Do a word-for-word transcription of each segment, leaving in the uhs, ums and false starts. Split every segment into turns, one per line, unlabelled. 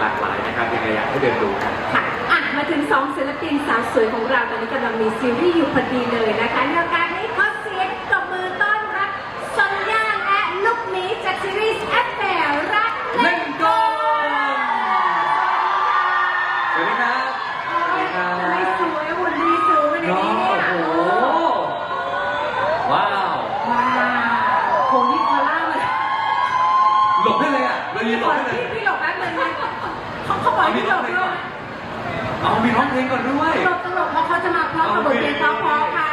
หลากหลายนะครับยังไงอยากให้เดินดูกัน
ค่ะอ่ะมาถึงสองศิลปินสาวสวยของเราตอนนี้กำลังมีซีรีส์อยู่พอดีเลยนะคะในโอกาสนี้ขอเสียงตบมือต้อนรับซอนย่าและลูกหมีจากซีรีส์แอปแฝงรักเล่นกล
สวัสดีครับ
สวัสดีครับไม่สวยหุ่นดีสูงในนี้เนี่ยโอ้โห
ว้าว
ว้าวโหนี่พอล่าเลย
หลบให้เลยอ่ะเรายืนหลบให้เลย
พี่หลบแป๊บนึงนะเขาเขาบอกให้หลบด้วย
เอามีร้องเพลงก่อนด้วย
ตลกตลกเพราะเขาจะมาพร้อมกับบทเพลงเพราะๆค่ะ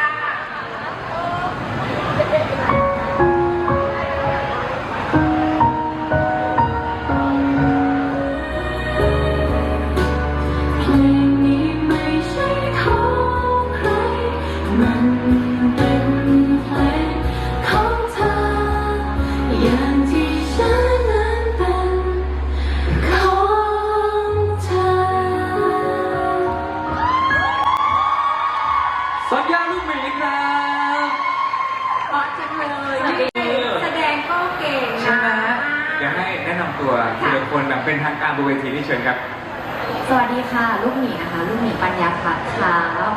ซอนย่าลูกหมีครับ
เพราะจังเลยแสดงก็เก่ง
ใช่ไหมเดี๋ยวให้แนะนำตัวทีละคนแบบเป็นทางการบนเวทีที่เชิญครับ
สวัสดีค่ะลูกหมีนะคะลูกหมีปัญญาพัฒน์ครับ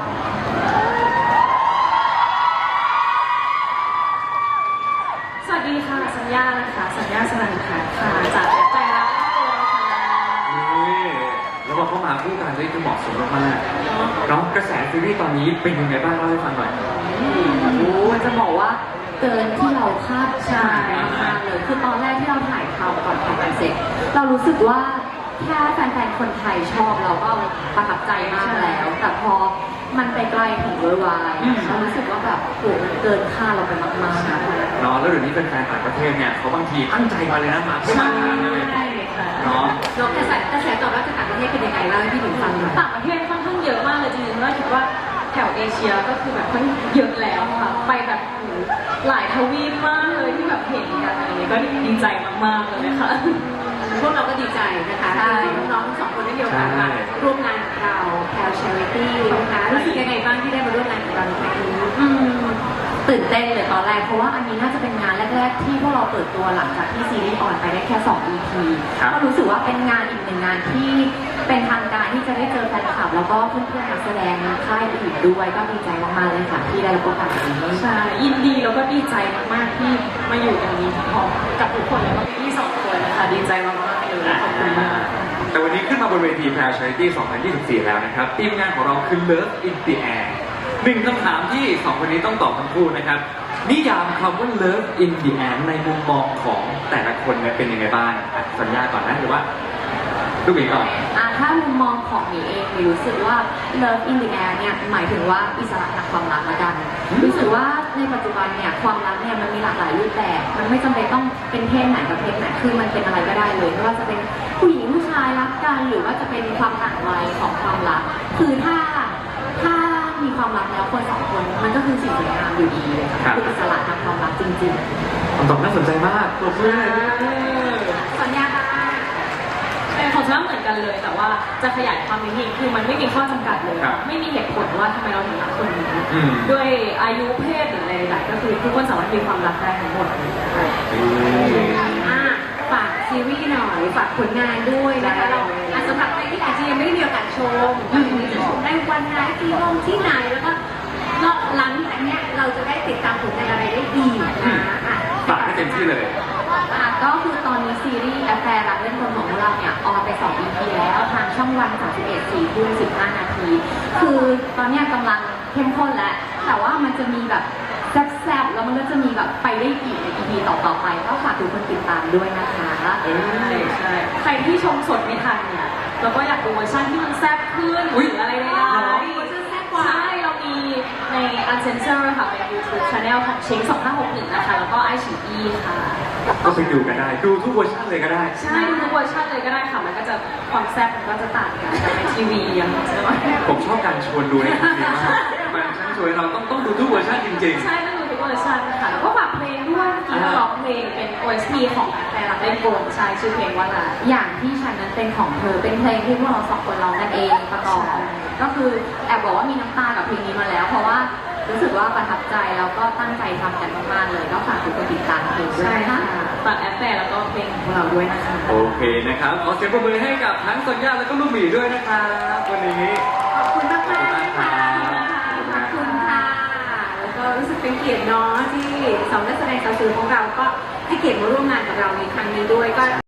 สวัสดีค่ะสัญญานะคะสัญญาสนันค่ะค่ะจากใจรักตัวค่ะ
นี่แล้วพอเข้ามาคู่กันได้จะเหมาะสมมากๆเนาะกระแสซีรีส์ตอนนี้เป็นยังไงบ้างเล่าให้ฟังหน่อย
โอ้จะบอกว่าเกินที่เราคาดหมายมากเลยคือตอนแรกที่เราถ่ายทำก่อนถ่ายกันเสร็จเรารู้สึกว่าแค่แฟนๆคนไทยชอบเราก็ประทับใจมากแล้วแต่พอมันไปไกลถึงเวอร์ไวด์เรารู้สึกว่าแบบโหมันเกินคาดเราไปมากๆนะ
เนาะแล้วเดี๋ยวนี้แฟนๆต่างประเทศเนี่ยเขาบางทีตั้งใจมาเลยนะมาเพื่อมาทานเลยเนาะ
แล้วกระแสกระแสตอบรับจากต่างประเทศเป็นยังไงเล่าให้พี่หนุ่มฟังหน่อย
ต่างประเทศค่อนข้างเยอะมากเลยจริงๆว่าคิดว่าแถวเอเชียก็คือแบบค่อนเยอะแล้วค่ะไปแบบหลายทวีปมากเลยที่แบบเห็นกันอะไรนี้ก็ดีใจมากๆเลยค่ะ
พวกเราก็ดีใจนะคะที่น้องๆทั้งสองคนได้มีโอกาสมาร่วมงานกับเราแพลชาริตี้นะคะรู้สึกยังไงบ้างที่ได้มาร่วมงานกับเราในครั้งนี้
ตื่นเต้นเลยตอนแรกเพราะว่าอันนี้น่าจะเป็นงานแรกๆที่พวกเราเปิดตัวหลังจากที่ซีรีส์ออนไปได้แค่สอง อี พี ก็รู้สึกว่าเป็นงานอีกหนึ่งงานที่เป็นทางการที่จะได้เจอแฟนคลับแล้วก็เพื่อนๆนักแสดงค่ายอื่นด้วยก็ดีใจมากๆเลยค่ะที่ได้รับโอกาสนี้
ใช่ยินดีแล้วก็ดีใจมากๆที่มาอยู่ตรงนี้พร้อมกับทุกคนแล้วก็พี่สองคนนะคะดีใจมากๆเลยขอบคุณมาก
แต่วันนี้ขึ้นมาบนเวทีแพลชาริตี้สองพันยี่สิบสี่แล้วนะครับทีมงานของเราคือ Love in the Air หนึ่งคำถามที่สองคนนี้ต้องตอบทั้งคู่นะครับนิยามคำว่า Love in the Air ในมุมมองของแต่ละคนเนี่ยเป็นยังไงบ้างสัญญาก่อนนะหรือว่าลูกหมีก่อน
อ่าถ้ามุมมองของหมีเองหมีรู้สึกว่า Love in the Air เนี่ยหมายถึงว่าอิสระทางความรักละกันรู้สึกว่าในปัจจุบันเนี่ยความรักเนี่ยมันมีหลากหลายรูปแบบมันไม่จำเป็นต้องเป็นเพศไหนกับเพศไหนคือมันเป็นอะไรก็ได้เลยไม่ว่าจะเป็นผู้หญิงผู้ชายรักกันหรือว่าจะเป็นความต่างวัยของความรักคือถ้าถ้ามีความรักแล้วคนสองคนมันก็คือสิ่งสวยงามอยู่ดีเลยค่ะคืออิสระทางความรักจริง
ๆคำตอบน่าสนใจมากตัวเพื่อน
สัญญาค่ะ
ของฉันเหมือนกันเลยแต่ว่าจะขยายความนิดนึงคือมันไม่มีข้อจำกัดเลยไม่มีเหตุผลว่าทำไมเราถึงรักคนนี้ด้วยอายุเพศหรืออะไรใดๆก็คือทุกคนสามารถมีความรักได้ทั้งหมด
ฝากซีรีส์หน่อยฝากผลงานด้วยนะคะเราสำหรับใครที่อาจจะยังไม่ได้มีโอกาสชมจะชมได้วันไหนที่ห้องที่ไหนแล้วก็หลังจากนี้เราจะได้ติดตามผลงานอะไรได้ดีนะ
ฝากให้เต็มที่เลย
ก็คือตอนนี้ซีรีส์แอฟแฟร์รักเล่นคนของเราเนี่ยออนไปสอง อี พี แล้วทางช่องวันสามสิบเอ็ด สี่ทุ่มสิบห้านาทีคือตอนนี้กำลังเข้มข้นแล้วแต่ว่ามันจะมีแบบแซ่บๆแล้วมันก็จะมีแบบไปได้อีกใน อี พี ต่อๆไปก็ฝากทุกคนติดตามด้วยนะคะ
เออใช่ใครที่ชมสดไม่ทันเนี่ยแล้วก็อยากดูเวอร์ชันที่มันแซ่บขึ้นหรืออะไรได้ใช่เรามีใน Uncensored ค่ะเป็น YouTube Channel ของเชงสองห้าหกหนึ่งนะคะแล้วก็ไอชีอีค่ะ
ก็ไปดูกันได้ดูทุกเวอร์ชันเลยก็ได้
ใช่ดูทุกเวอร์ชันเลยก็ได้ค่ะมันก็จะความแซ่บมันก็จะต่างกันจากในทีวีอย่างใช่ไหม
ผมชอบการชวนดูในทีวีมากมันช่างชวนเราต้องต้องดูทุกเวอร์ชันจริง
ๆใช่ต้องดูทุกเวอร์ชันค่ะแล้วก็ฝากเพลงด้วยเมื่อกี้ร้องเพลงเป็น โอ เอส ที ของแฟนรักเล่นโกงใช่ชื่อเพลงว่าอะไร
อย่างที่ฉันนั้นเป็นของเธอเป็นเพลงที่พวกเราสองคนร้องกันเองประกอบก็คือแอบบอกว่ามีน้ำตากับเพลงนี้มาแล้วเพราะว่ารู้สึกว่าประทับใจแล้วก็ตั้งใจทำกันมากๆเลยก็ฝากทุกคนติดตามเพลงด้วยนะคะ
ฝากแอปแฟร์แล้วก็เพลงของพวกเราด้วยนะคะ
โอเคนะครับ ขอเสียงปรบมือให้กับทั้งสัญญาและก็ลูกหมีด้วยนะครับวันนี้
ขอบคุณมากมากๆค่ะ
ขอบคุณ
ข
มา
อก บคุณค่ะ แล้วก็รู้สึกเป็นเกียรติเนาะที่สองนักแสดงสาวสวยของเราก็ให้เกียรติมาร่วมงานกับเราในครั้งนี้ด้วยก็